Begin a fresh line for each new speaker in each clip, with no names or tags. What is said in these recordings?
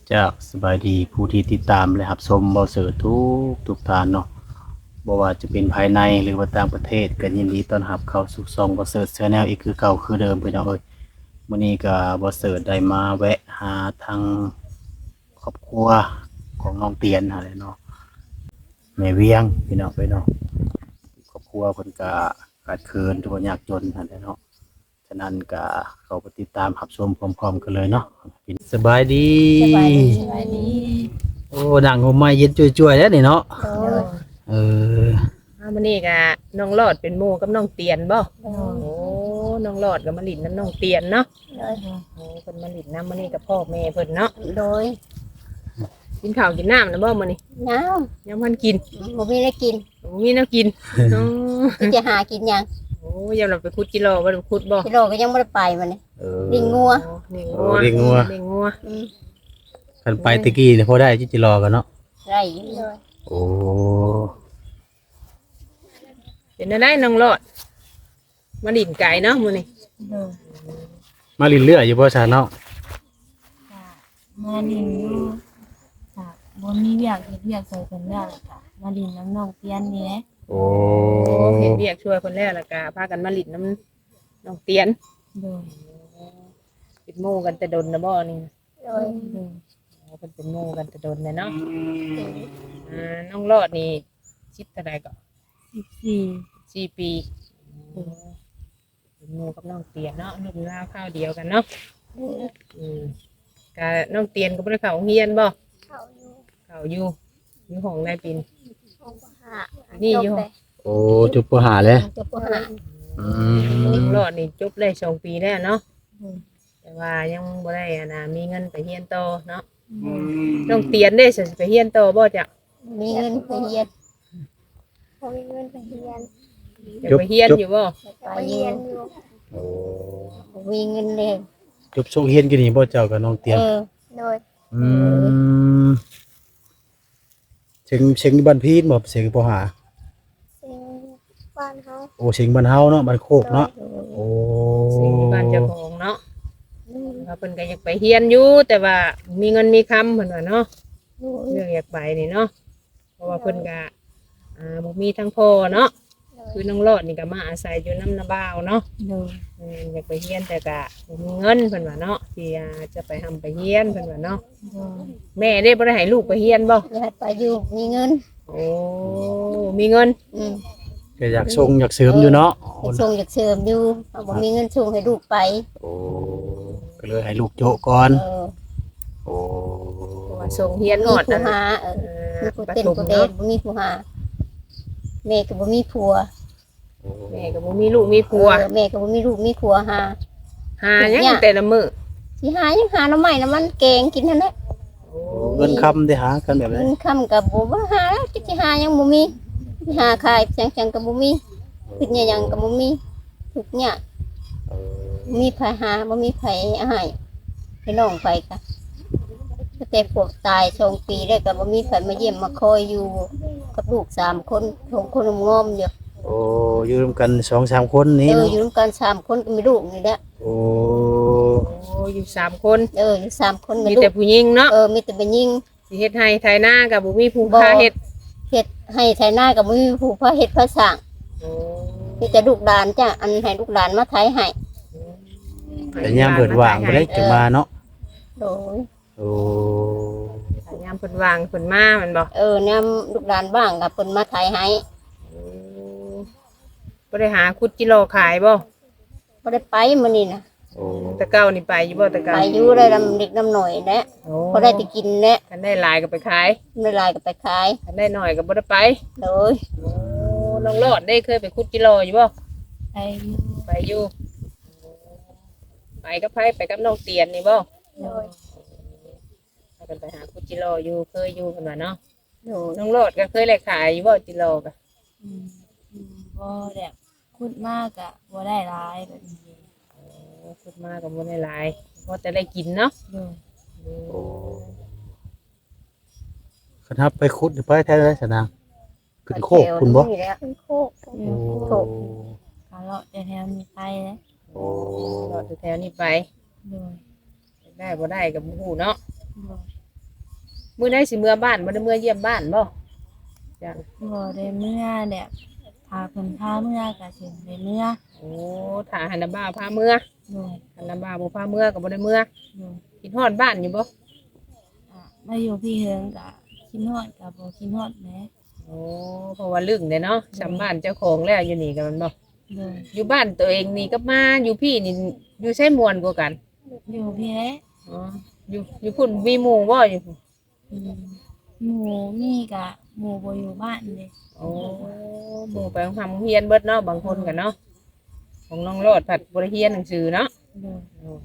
จากสบายดีผู้ที่ติดตามและรับชมเบาเสือทุกท่านเนาะบ่ว่าจะเป็นภายในหรือว่าต่างประเทศก็ยินดีต้อนรับเข้าสู่ช่องเบาเสือ Channel อีกคือเก่าคือเดิมพี่น้องเอ้ยมื้อนี้ก็เบาเสือได้มาแวะหาทางครอบครัวของน้องเตียนหั่นแหละเนาะแม่เวียงพี่น้องเนาะครอบครัวเพิ่นก็ขาดเคินทุกข์ยากจนหั่นแหละเนาะฉะนั้นก็เข้าไปติดตามรับชมพร้อมๆกันเลยเนาะสบายดี
สบายดี
โอ้ดังหัวไม้เย็นจ่วยๆแล้วนี่เนาะ
โดย
เออ
มื้อนี้ก็น้องหลอดเป็นหมู่กับน้องเตียนบ่
โดย
โอ้น้องหลอดก็มาหลินน้ำน้องเตียนเนาะ
โดย
โอ้เพิ่นมาหลินน้ำมื้อนี้กับพ่อแม่เพิ่นเนาะ
โดย
กินข้าวกินน้ำนะบ่มื้อนี้
น้า
ยังพันกิน
บ่มีได้กิน
โอ้มีแนวกินเนาะ
จะหากินหยัง
โอ้ยามเราไปขุดกิโลบ่ได้ขุดบ่
กิโลก็ยังบ่ได้ไปมันนี่
เออ
ลิงงัว
โอ้ลิง
โอ้
งัว
ลิงงัว
ลิงงัว
อืม
กันไปตะกี้เนี่ยพอได้จิรอกันเนาะ
ไรอยู่เลย
โอ้
เป็นได้น้องหลอดมาหลินไก่เนาะมื้อนี้
โดย
มาลินเลืออยู่บ่ซาเนาะ
มาลินอยู่ค่ะบ่มีเวียกเฮ็ดเวียกใส่กันแล้วล่ะค่ะมาลินน้ำน้องเตียนนี่แหละ
โอ้
โอ้เฮ็ดเวียกช่วยเพิ่นแล้วแล้วก็พากันมาหลินน้ำน้องเตียน
โดย
เป็นหมู่กันแต่ดนนะบ่นี่
โดย
โดย
อ๋อเป็นหมู่กันแต่ดนเลยเนาะน้องรอดนี่ชิดเท่าใดก็
14
4 ปีเป็นหมู่กับน้องเตียนเนาะรุ่นราวข้าวเดียวกันเนาะอืมกะน้องเตียนก็บ่ได้เข้าโรงเรียนบ่
เขาอยู่
เข้าอยู่ห้องนายปิน
ห้องปหา
นี่อยู่
โอ้จุบปหาเลย
จบปหา
อื
น้อง
ม
รอดนี่จบได้2 ปีแล้วเนาะ
โดย
แต่ว่ายังบ่ได้มีเงินไปเรียนต่อเนาะน้องเตียนได้สิไปเรียนต่อบ่จ้ะ
มีเงินไปเรียนบ่มีเงินไปเรียน
อยากไปเรียนอยู่บ่
ไปเรียนอยู่
โอ้
บ่มีเงินเลย
จุบส่งเฮียนกันนี่บ่เจ้ากับน้องเตียน
โดย
อืมเชิงบ้านพีนบ่เสียงปหา
สิ่งบ้านเขา
โอ้เชิงบ้านเฮาเนาะบ้านโคกเนาะโอ้
สิ่งที่บ้านเจ้าของเนาะ ว่าเพิ่นก็อยากไปเรียนอยู่แต่ว่ามีเงินมีคำเพิ่นว่าเนาะ
โดย
เรื่องอยากไปนี่เนาะเพราะว่าเพิ่นก็บ่มีทั้งพ่อเนาะคือน้องรอดนี่ก็มาอาศัยอยู่น้ำนาบ่าวเนาะ
โดย
อยากไปเรียนแต่ก็บ่มีเงินเพิ่นว่าเนาะที่จะไปทำไปเรียนเพิ่นว่าเนาะ
โดย
แม่ได้บ่ได้ให้ลูกไปเรียนบ่
อยากไปอยู่มีเงิน
โอ้มีเงิน
อืม
ก็อยากส่งอยากเสริมอยู่เนาะ
อยากส่งอยากเสริมอยู่เอาบ่มีเงินส่งให้ลูกไป
โอ้ก็เลยให้ลูกโจะก่อน
เออ
โอ้
เพราะว่าส่งเรียนฮ
มี
อด
ผู้
นั่น
หามีผู้
ประ
เต้น
ถม
ผู้เด่
เนาะ
นบ่มีผู้หาแม่ก็บ่มีผัว
แม่ก็บ่มีลูกมีผัว
แม่ก็บ่มีลูกมีผัวหา
หาหยังแต่ละมื้อ
สิหายังหาหน่อไม้น้ำมันแกงกินนั่นแหละ
โอ้
เงินคำได้หากันแบบ
เงิ
นี้
นค่ำก็บ่ว่าหาแล้วจักสิหายังบ่มีสิหาขายจังๆก็บ่มีคิดหยังก็บ่มีทุกอย่างมีไผหาบ่มีไผเอาให้พี่น้องไปก็ตั้งแต่พวกตาย2 ปีแล้วก็บ่มีไผมาเยี่ยมมาคอยอยู่กับลูก3 คน2 คนงอมอยู่
โอ้อยู่ร่วมกัน2-3คนนี้
อยู่
เนาะ
ร่วมกัน3 คนก็มีลูกนี่แหละ
โอ้
โอ้อยู่3 คน
อยู่3 คนมี
มี
ลู
แต่
ก
ผู้หญิงเนาะ
มีแต่เป็นยิง
สิเฮ็ดให้ไทยหน้ากับบ่มีผู้
บ่
พาเฮ็ด
เฮ็ดให้ไถนากับบ่มีผู้พาเฮ็ดพาสร้าง
โอ้
มีแต่ลูกหลานจ้ะอันให้ลูกหลานมาไถให้
แต่ยามเปิดว่างบ่ได้จังมาเนาะ
โดย
โอ้
ยามเพิ่นวางเพิ่นมาแมันบ่
นำลูกหลานบ้างก็เพิ่นมาไถให้
บ่ได้หาคุดจิโลขายบ่
บ่ได้ไปมื้อนี้นะ
โอ้
แต่เก่านี่ไปอยู่บ่แต่เก่า
ไปอยู่ได้ลำเด็กลำหน่อยแหละ
โอ้
พอได้ไปกินแหละ
คันได้หลายก็ไปขาย
ไม่หลายก็ไปขาย
คันได้น้อยก็บ่ได้ไป
โดย
โอ้น้องรอดได้เคยไปคุดจิโลอยู่บ่
ไปอยู่
ไปอยู่ไปกับไผไปกับน้องเตียนนี่บ่
โดย
พากันไปหาคุดจิโลอยู่เคยอยู่เพิ่นว่าเนาะ
โดย
น้องรอดก็เคยได้ขายอยู่บ่จิโลก็
อืมบ่แบบขุดมากอะบ่ได้หลายแบบนี้
โอ้คุดมาก็บ่ได้หลายพอแต่ได้กินเนาะ
โดย
โอ้คันทับไปขุดไปแท้ได้สนางขึ้นโคกคุณบ่
นี่แหละขึ้นโคก
เรีย
โอ้
กกะเลาะแต่แถวนี้ไปแล้ว
โอ้
รอดแถวนี้ไป
โดย
ได้บ่ได้กับบ่ฮู้เนาะ
โดย
มื้อใดสิเมื่อบ้านบ่ได้เมื่อเยี่ยมบ้านบ่จ้ะ
บ่ได้เมื่อแบบพาเพิ่นพาเมื่อก็สิได้เมื่อ
โอ้ถ้าหันน่ะบ่าวพาเมื่อ
โดย
หันน่ะบ่าวบ่พาเมื่อก็บ่ได้เมื่อ
โดย
คิดฮอดบ้านอยู่บ่
มาอยู่พี่เฮิงก็คิดฮอดก็บ่คิดฮอดแหม
โอ้เพราะว่าลึกเด้เนาะจำบ้านเจ้าของแล้วอยู่นี่ก็มันบ่
โดย
อยู่บ้านตัวเองนี่กับมาอยู่พี่นี่อยู่ใช้มวนกว่ากัน
อยู่พี่แหละ
อ๋ออยู่พุ่นมีหมู่บ่อยู่พุ่น
อืมหมู่นี่ก็หมู่บ่อยู่บ้านเด้
โอ้หมู่ไปทำโรงเรียนเบิดเนาะบางคนกันเนาะของน้องโลดผัดบริเรียนหนังสือเนาะ
โดย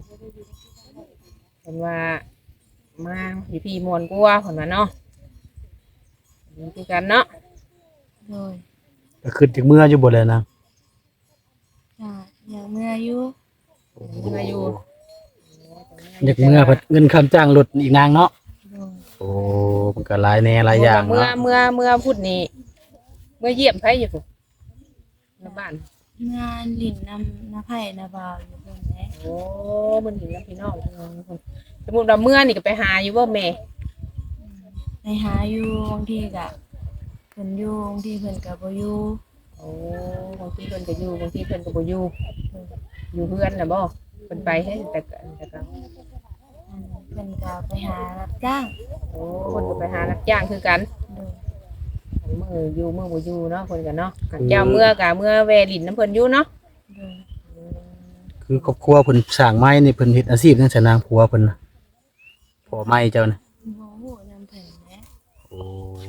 เห็นว่ามาอยู่พี่มวนกว่าเพิ่นว่าเนาะนี่คือกันเนาะ
โดย
ก็ขึ้นจากเมื่ออยู่บ่เลยนะ
จ้ะอยากเมื่ออยู่
มาอยู่
อยากเมื่อเพิ่นเงินคำจ้างรถอีกนางเนาะ
โดย
โอ้มันก็หลายแหน่หลายอย่าง
เมื่อ
เนาะ
เมื่อเมื่อพูดนี่เมื่อเยี่ยมไผอยู่พุ่นในบ้าน
งานลิ้นน้ำไผ่น้ำบาวอยู่เพิ่นแหละ
โอ้มันเห็นแล้วพี่น้องสมมุติว่าเมื่อนี่ก็ไปหาอยู่บ่แม่
ไปหาอยู่บางทีก็เพิ่นอยู่บางทีเพิ่นก็บ่อยู่
โอ้บางทีเพิ่นก็อยู่บางทีเพิ่นก็บ่อยู่อยู่เพื่อนน่ะบ่เพิ่นไปให้แต่ก็
เพิ่นก็ไปหารับจ้าง
โอ้เพิ่นก็ไปหารับจ้างคือกัน
โดย
มื้ออยู่มื้อบ่อยู่เนาะเพิ่นก็เนาะกันเจ้าเมื่อก็เมื่อแวลินน้ำเพิ่นอยู่เนาะ
โดย
คือครอบครัวเพิ่นสร้างไม้นี่เพิ่นเฮ็ดอาชีพจังซั่นนางผัวเพิ่นน่ะพ่อไม้เจ้าน่ะ
บ่ฮู้นำเพิ่นแหละ
โอ้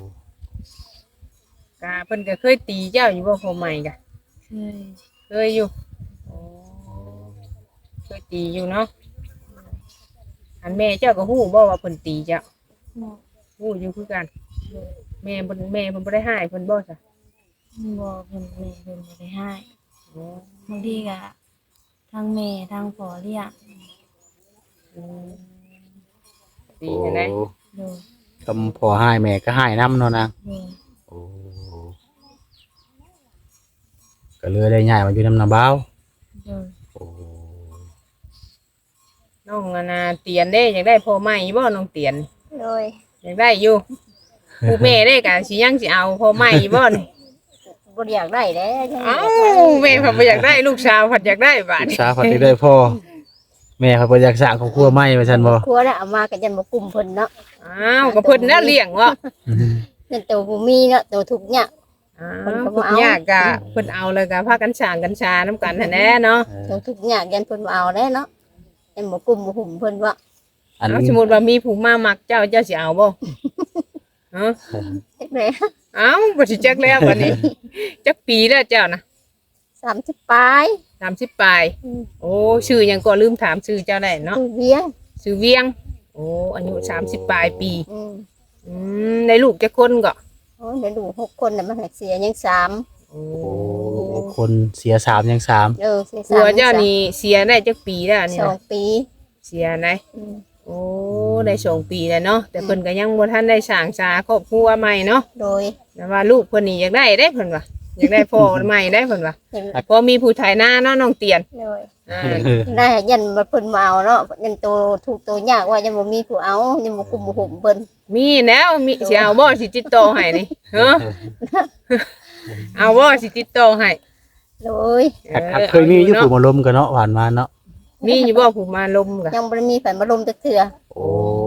ก็เพิ่นก็เคยตีเจ้าอยู่บ่พ่อใหม่ก็
เคย
เคยอยู่โอ้เคยตีอยู่เนาะอันแม่เจ้าก็ฮู้บ่ว่าเพิ่นตีเจ้า
บ่
ฮู้อยู่คือกันแม่เพิ่นบ่ได้ให้เพิ่นบ่ซะ
บ่เพิ่นแม่เพิ่นบ่ได้ให้
โอ้
บางทีก็ทางแม่ทางพ่อเรียก
อืมตีจังได๋
โดย
คำพ่อให้แม่ก็ให้นํเนาะนาง
โดย
โอ้ก็เลยได้ย้ายมาอยู่นำนาบ้าว
โดย
โอ้
น้องอะนะเตียนเด้อยากได้พ่อใหม่บ่น้องเตียน
โดย
อยากได้อยู่ผู้แม่ได้ก็สิยังสิเอาพ่อใหม่บ่นี่
บ่อยากได้แล้วยัง
เอ้าแม่เพิ่นบ่อยากได้ลูกสาวเพิ่นอยากได้บาด
ลูก
นี้
สาวเพิ่นได้พ่อแม่เขาบ่อยากสร้างครอบครัวใหม่ว่าซั่นบ่
ครัวน่ะเอามาก็ยันบ่กลุ่มเพิ่นเนาะ
อ้าวก็เพิ่นน่ะเลี้ยงวะ
นั่นตัวบ่มีเนาะตัวทุกข์เนี่ย
อ้า
เพิ่น
ว
ก็บ่
เพิ่น
เอา
ยากก็เพิ่นเอาเลยก็พากันสร้างกันชานํกันหั่นแหละเนาะ
ตัวทุกข์เนี่ยยันเพิ่นบ่เอาแล้วเนาะยันบ่กลุ่มบ่หุ่มเพิ่นว่า
อัน
เอาสมมุติว่ามีผู้มามักเจ้าเจ้าสิเอาบ่ฮะ
เฮ็ดแหน่
เอ้าบ่สิจักแล้วบัดนี้จักปีแล้วเจ้านะ
30ปลาย
30ปลาย โอ้ชื่อหยังก็ลืมถามชื่อเจ้าได้เนาะ
คือเวียง
ชื่อเวียง โอ้อายุ30ปลายปี
อืม
ได้ลูกจักคนก็
โอ้ยเดี๋ยวดู6คนน่ะมันให้เสียยัง3
โอ้
โอ้คนเสีย3ยัง3
เสีย
ผัว
3
เจ้านี่เสียได้จักปีแล้วนี่นะ
2 ปี
เสียไหน
อืม
โอ้ได้2 ปีแล้วเนาะแต่เพิ่นก็ยังบ่ทันได้สร้างสาครอบครัวใหม่เนาะ
โดย
แต่ว่าลูกเพิ่นนี่อยากได้เด้เพิ่นว่าอยากได้พ่อใหม่ได้เพิ่นว่า
เห็น
พอมีผู้ถ่ายหน้าเนาะน้องเตียน
โดย
อ่า
ได้ยันมาเพิ่นมาเอาเนาะยันโตถูกโตยากว่ายังบ่มีผู้เอายังบ่คุมบ่หุ่มเพิ่น
มีแล้วมีสิเอาบ่สิติดต่อให้นี่เฮ้อเอาบ่สิติดต่อให้
โดย
เคยมีอยู่ผู้มาล้มกันเนาะผ่านมาเนาะ
มีอยู่บ่ผู้มาลมกะ
ยังบ่ได้มีไผมาลมจักเทื่อ
โอ้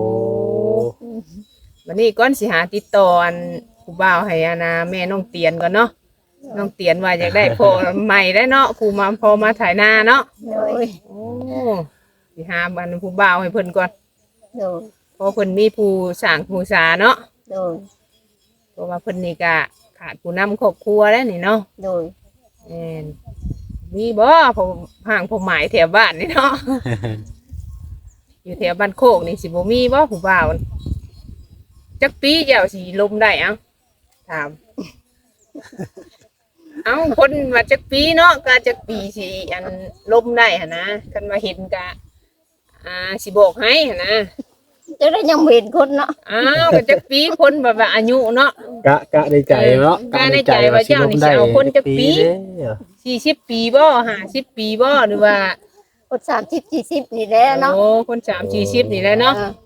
วันนี้ก่อนสิหาติดต่ออันผู้บ่าวให้อานาแม่น้องเตียนก่อนเนาะน้องเตียนว่าอยากได้พ่อใหม่ได้เนาะผู้มาพอมาถ่ายหน้าเนาะ
โดย
โอ้สิหาอันผู้บ่าวให้เพิ่นก่อน
โดย
เพราะเพิ่นมีผู้สร้างผู้สาเนาะ
โดย
เพราะว่าเพิ่นนี่ก็ขาดผู้นำครอบครัวแล้วนี่เนาะ
โดย
แม่นมีบ่ผมห่างผมหมายแถวบ้านนี่เนาะ อยู่แถวบ้านโคกนี่สิบ่มีบ่ผู้บ่าวจักปีเจ้าสิลมได้เอ้าถาม เอ้าคนมาจักปีเนาะก็จักปีสิอันลมได้หั่นนะคันมาเห็นก็สิบอกให้หั่นนะ
จะได้ยังบ่เห็นคนเนาะ
อ้าวก็จักปีคนแบบว่าอายุเนาะ
กะในใจเนาะ
กะในใจว่าเจ้านี่สิเอาคนจักปี
เด้อ
40 ปีบ่50 ปีบ่หรือว่า
คน30 40นี่แหละเนาะ
โอ้คน30 40นี่แหละเนาะ
ออ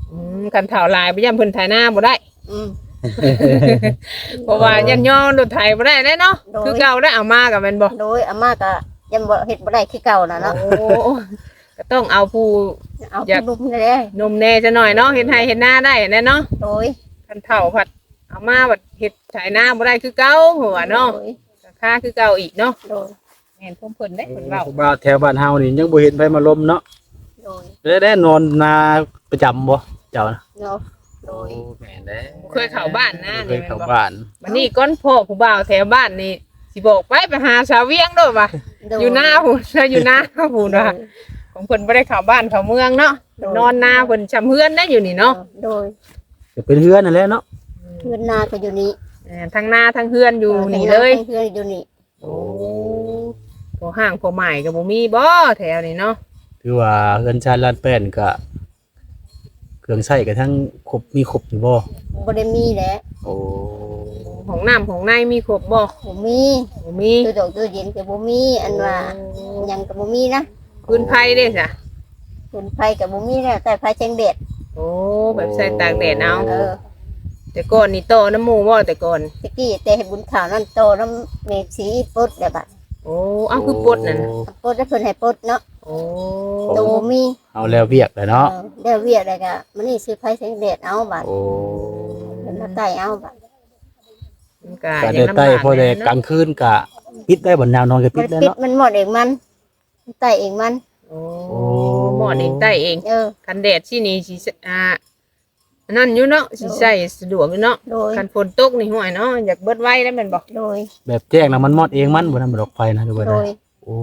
คันเฒ่าหลายไปย่ำเพิ่นไถนาบ่ได้
อืม
เพราะว่ายันย่อรถไถบ่ได้แน่เนาะ
โดย
คือเก่าได้เอามากับแม่นบ่
โดยอาม่าก็ยังบ่เฮ็ดบ่ได้คือเก่าน่ะเนาะ
โอ้ก็ต้องเอาผู้
เอา
อยาก
ผู้ลุมนี่แหละ
นมแน่จะหน่อยเนาะเฮ็ดให้เฮ็ดนาได้แน่เนาะ
โดย
คันเฒ่าผัดเอามาบัดเฮ็ดไถนาบ่ได้คือเก่าหัวเนาะ
โดย
ราคาคือเก่าอีกเนาะ
โดย
แม่นเพิ่นได้เพิ่นเว้า
บ้านแถวบ้านเฮานี่ยังบ่เห็นไผมาลมเนาะ
โดย
ได้นอนนาประจำบ่เจ้านะ
เนาะโดย
แม่นเด้
เคยเข้าบ้านนะ
เค
นี่
ย
แม่น
เข้า
บ่
บ้าน
วันนี้ก้อนพ่อผู้บ่าวแถวบ้านนี่สิบอกไปหาสาวเวียงด้วยว่ะ
โดย
อยู่หน้าผู้อยู่หน้าผู้ว่าของเพิ่นบ่ได้เข้าบ้านเข้าเมืองเนาะนอนหน้าเพิ่นชำเฮือนได้อยู่นี่เนาะ
โดย
ก็เป็นเฮือนนั่นแหละเนาะ
เพื่อนนาก็อยู่นี่
ทั้งหน้าทั้งเฮือนอยู่นี่เลย
เพื่อนอยู่นี่
โอ้พอห้างพอใหม่ก็บ่มีบ่แถวนี้เนาะ
คือว่าเฮือนชาติลานแป้นก็เครื่องใช้ก็ทั้งครบมีครบอยู่บ่
บ่ได้มีแหละ
โอ้
ของน้ำของในมีครบบ่
บ่มี
บ่มี
ตัวดอกตัวเย็นก็บ่มีอันว่าหยังก็บ่มีนะ
พื้นไผเด้จ้ะ
คนไฟก็บ่มีแล้วแต่ไฟแจ้งแดด
โอ้แบบใส่ตากแดดเอา
เออ
แต่ก่อนนี่โตน้ำหมู่บ่แต่ก่อน
ตะกี้แต่ให้บุญข่าวนั่นโตน้ำเมฆสีปดแล้วบัด
โอ้เอาคือปลดนั่นน่ะ
ปดแล้วเพิ่นให้ปดเนาะ
โอ้
โตบ่มี
เอาแล้วเวียกเลยเนาะ
ได้เวียดได้ก็มันนี่ซื้อไฟแสงแดดเอาบัด
โอ้
เพิ่นมาใต้เอาบัด
มันก็
ก็
ยั
ได้
งลำ
ใต้
บาก
พอได้
แน่
ก
เนาะ
ลางคืนก็ปิดได้บ่แนวนอนก็ปิ
มั
ด
น
ได้
ปิด
เนาะ
มันหมดเองมันใต้เองมัน
โอ้หมอดเองใต้เอง
เออ
คันแดดที่นี่สิอันนั่นอยู่เนาะสิใส่สะดวกอยู่เนาะ
โดย
คันฝนตกนี่ห่วยเนาะอยากเบิดไว้แล้วแม่นบ่
โดย
แบบแจ้งแล้วมันมอดเองมันบ่นำดอกไฟนะดูบ่
โด
ได้
ย
โอ้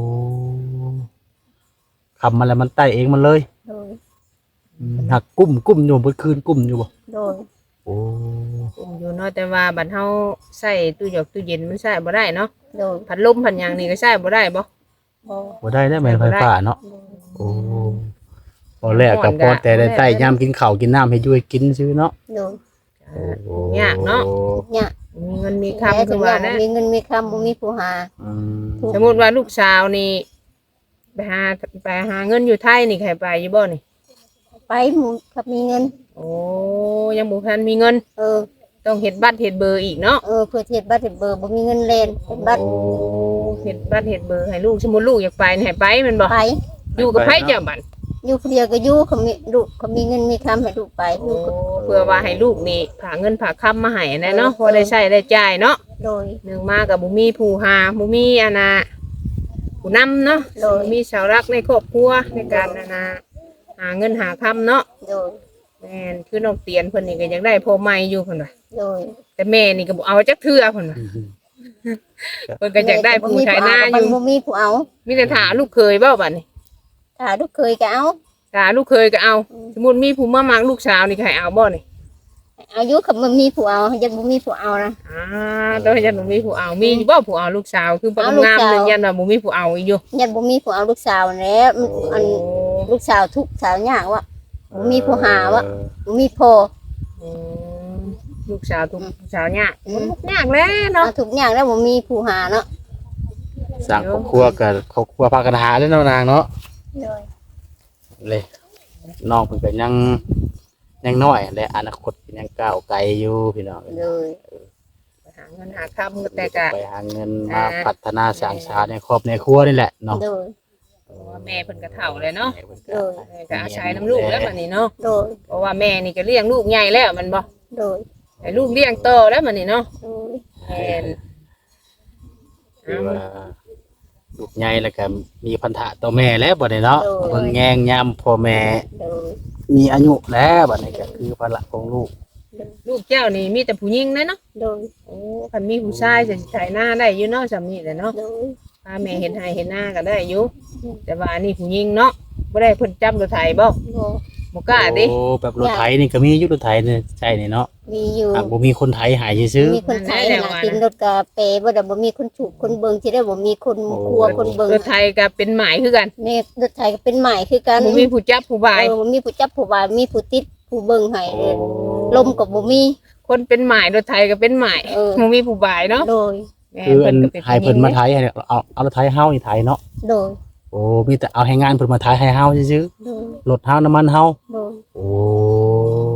คำมาแล้วมันไต่เองมันเลย
โดย
หักกุ้มอยู่เมื่อคืนกุ้มอยู่บ่
โดย
โอ้
อุ้มอยู่เนาะแต่ว่าบัดเฮาใส่ตู้หยอกตู้เย็นมันใส่บ่ได้เนาะ
โดย
พัดลมพัดหยังนี่ก็ใส่บ่ได้บ่
บ่
บ่ได้ได้แม่นไฟฟ้าเนาะ
โดย
โอ้พอแรกก็พอแต่ได้ใต้ยามกินข้าวกินน้ำให้อยู่ให้กินซื่อเนาะ
โดย
โอ้
ยากเนาะ
เนี่ย
มีเงินมีคำคือว่านะ
มีเงินมีคำบ่มีผู้หา
อืม
สมมุติว่าลูกสาวนี่ไปหาเงินอยู่ไทยนี่ใครไปอยู่บ่นี่
ไปหมู่กับมีเงิน
โอ้ยังบ่ทันมีเงิน
เออ
ต้องเฮ็ดบัตรเฮ็ดเบอร์อีกเนาะ
เออเพื่อเฮ็ดบัตรเฮ็ดเบอร์บ่มีเงินเล่นเฮ็ดบัตร
เฮ็ดบัตรเฮ็ดเบอร์ให้ลูกสมมุติลูกอยากไปนี่ให้ไปแม่นบ่
ไป
อยู่กับไผเจ้าบัด
อยู่คนเดียวก็อยู่เขามีลูกเขามีเงินมีคำให้ลูกไป
โอ้
ลูกก็
เพื่อว่าให้ลูกนี่ฝากเงินฝากคำมาให้แน่เนาะพอได้ใช้ได้จ่ายเนาะ
โดย
หนึ่งมากับบุมีผู้หาบุมีอาณาผู้นำเนาะ
โดย
มีเสารักในครอบครัวในการอาณาหาเงินหาคำเนาะ
โดย
แม่นคือน้องเตียนเพิ่นนี่ก็อยากได้พ่อใหม่อยู่เพิ่นว่า
โดย
แต่แม่นี่ก็บ่เอาจักเทื่อเพิ่นว่าเพิ่นก็อยากได้ผู้ชายหน้าอยู่
บ่มีผู้เอา
มีแต่ถาลูกเคยเว้าบัดนี้
ถ้าลูกเคยก็เอา
ถาลูกเคยก็เอา สมมุติมีผู้มามักลูกสาวนี่ก็ให้เอาบ่นี่
อายุกับบ่มีผู้เอายังบ่มีผู้เอานะ
แต่ว่ายันบ่มีผู้เอามีอยู่บ่ผู้เอาลูกสาวคือบ่
เอาลูก
งาม
สาว
เลยยันว่าบ่มีผู้เอาอีกอยู่
ยังบ่มีผู้เอาลูกสาวแล้วมันอันลูกสาวทุกข์สาวยากวะบ่มีผู้หาวะบ่มีพ่อ
อืมลูกสาวทุกลูกสาวเนี่ยมันทุกข์ยากแล้วเนาะ
เอาทุกอย่างแล้วบ่มีผู้หาเนาะ
สร้างครอบครัวกับครอบครัวพากันหาเด้อเนาะนางเนาะ
โดย
เลยน้องเพิ่นก็ยังน้อยและอนาคตก็ยังก้าวไกลอยู่พี่น้อง
โดย
ไปหาเงินหาคำก็แต่กะ
ไปหาเงินมาพัฒนาสร้างชาติในครอบในครัวนี่แหละเนาะ
โดย
เพราะว่าแม่เพิ่นก็เฒ่าเลยเนาะ
โดย
แม่ก็อาศัยน้ำลูกแล้วบัดนี้เนาะ
โดย
เพราะว่าแม่นี่ก็เลี้ยงลูกใหญ่แล้วมันบ่
โดย
ให้ลูกเลี้ยงโตแล้วบัดนี้เนาะ
โดย
แม่น
คือว่าลูกใหญ่แล้วก็มีพันธะต่อแม่แล้วบัดนี้เนาะเบิ่งแยงยามพ่อแม่
โดย
มีอายุแล้วบัดนี้ก็คือภาระของลูก
ลูกเจ้านี่มีแต่ผู้หญิงนะเนาะ
โดย
โอ้คันมีผู้ชายจะสิถ่ายหน้าได้อยู่เนาะจำนี่แหละเนาะ
โดย
พาแม่เห็นให้เห็นหน้าก็ได้อยู่แต่ว่าอันนี้ผู้หญิงเนาะบ่ได้เพิ่นจับรถไถบ่
โดย
บ่กล้าดิ
โอ้แบบรถไถนี่ก็มีอยู่รถไถนี่ใช่นี่เนาะ
มีอยู่
หากบ่มีคนไถหายซื่อ
มีคนไทยหากินรถกาเปบ่ได้บ่มีคนฉุกคนเบิงสิได้บ่มีคนครัวคนเบิง
รถไถก็เป็นหมายคือกัน
นี่รถไทยก็เป็นใหม่คือกัน
บ่มีผู้จับผู้บาย
บ่มีผู้จับผู้บายมีผู้ติดผู้เบิงให้
ๆโอ้
ลมก็บ่มี
คนเป็นหมายรถไถก็เป็นหมาย
เออ
บ่มีผู้บายเนาะ
โดย
แม่
คืออัน
ก็เป็น
ให้เพิ่นมาไถให้เอารถไถเฮานี่ไถเนาะ
โดย
โอ้มีแต่เอาให้งานเพิ่นมาไถให้เฮาซื่อ
โดย
ๆรถเฮาน้ำมันเฮา
โดย
โอ้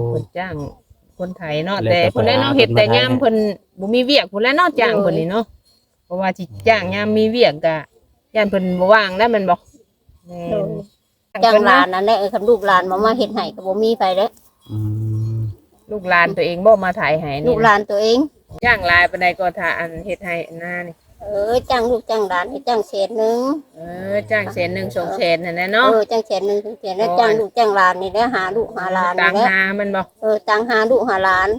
เพิ่นจ้างคนไทยเนาะ
แล้ว
แต่
ก็
เพิ่นได้เนาะ
ไปหา
เฮ็ดแต่
คนมาไทย
ยามเพิ่นบ่มีเวียกพุ่นแหล้วเนาะจ้างเพิ่นนี่เนาะเพราะว่าสิจ้างยามมีเวียกก็ย่านเพิ่นบ่ว่างแล้วแม่นบ่แม่
โด
น
ยจ้างหลานนั่นแหละคันลูกหลานมาเฮ็ดให้ก็บ่มีไปเด้อ
อืม
ลูกหลานตัวเองบ่มาถ่ายให้
ลู
นี่
กหลานตัวเอง
จ้างหลายปานใดก็ถ้าอันเฮ็ดให้อันหน้านี่
จ้างลูกจ้างหลานให้จ้างแสนหนึง
จ้าง100,000 200,000นั่นแหละเนาะ
จ้างแสนหนึงถึงแสนแล้วจ้างลูกจ้างหลานนี่แหละหาลูกหาหลาน
ต่า
นี่
ง
แหละ
หามันบ่
ต่างหาลูกหาหลาน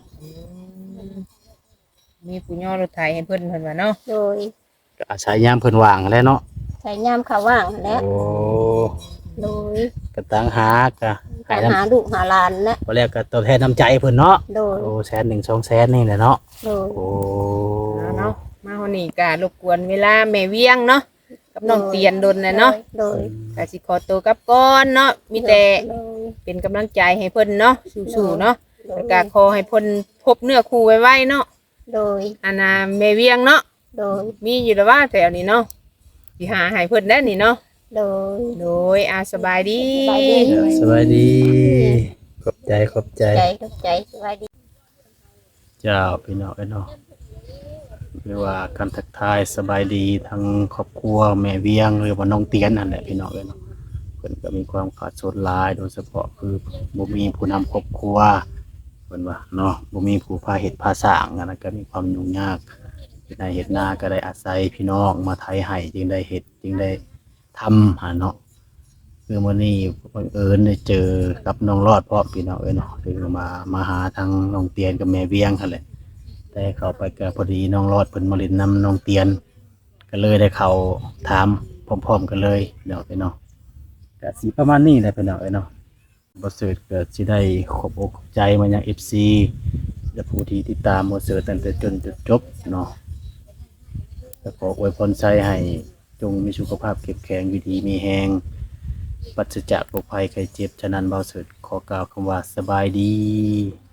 มีผู้ย่อรถไถให้เพิ่นว่าเนาะ
โดย
ก็อาศัยยามเพิ่นว่างแหล้วเนาะ
ใช้ยามเขาว่างนั่นแหละ
โอ้
โดย
ก็ตั้งหาก็ให้
ต่าง
นำ
หาลูกหาหลานนะ
บ่แล้วก็ตอบแทนน้ำใจเพิ่นเนาะ
โดย
โอ้100,000 200,000นี่แหละเนาะ
โดย
โอ้
เนาะมาวันนี้ก็รบกวนเวลาแม่เวียงเนาะกับน้องเตียนดนนะเนาะ
โดย
ก็สิขอตัวกลับก่อนเนาะมีแต่
โดย
เป็นกำลังใจให้เพิ่นเนาะสู้ๆเนาะ
โดย
แล้วก็ขอให้เพิ่นพบเนื้อคู่ไวๆเนาะ
โดย
อันน่ะแม่เวียงเนาะ
โดย
มีอยู่แล้วว่าแถวนี้เนาะสิหาให้เพิ่นได้นี่เนาะ
โดย
โดยสบายดี
สบายดี
สวัสดีขอบใจขอบใจ
ใจสบายดี
เจ้าพี่น้องเนาะหรือว่าการทักทายสบายดีทั้งครอบครัวแม่เวียงหรือว่าน้องเตียนนั่นแหละพี่น้องเนาะเพิ่นก็มีความขาดสนหลายโดยเฉพาะคือบ่มีผู้นำครอบครัวเพิ่นว่าเนาะบ่มีผู้พาเฮ็ดพาสร้างอันนั้นก็มีความยุ่งยากเฮ็ดนาเฮ็ดนาก็ได้อาศัยพี่น้องมาไถให้จึงได้เฮ็ดจึงได้ทำหาเนาะคือมื้อนี้บังเอิญได้เจอกับน้องรอดพร้อมพี่น้องเนาะคือมาหาทางน้องเตียนกับแม่เวียงคั่นแหละ แต่เข้าไปก็พอดีน้องรอดเพิ่นมาเล่นน้ำน้องเตียน ก็เลยได้เข้าถามพร้อมๆกันเลยเนาะพี่น้องก็สิประมาณนี้แหละพี่น้องเนาะบ่เสิร์ชก็สิได้ขอบอกขอบใจมายัง FC และผู้ที่ติดตามบ่เสิร์ชตั้งแต่จนจุดจบเนาะก็ขออวยพรใจให้จงมีสุขภาพเข้มแข็งอยู่ดีมีแรงปราศจากโรคภัยไข้เจ็บฉะนั้นบ่เสิร์ชขอกล่าวคำว่าสบายดี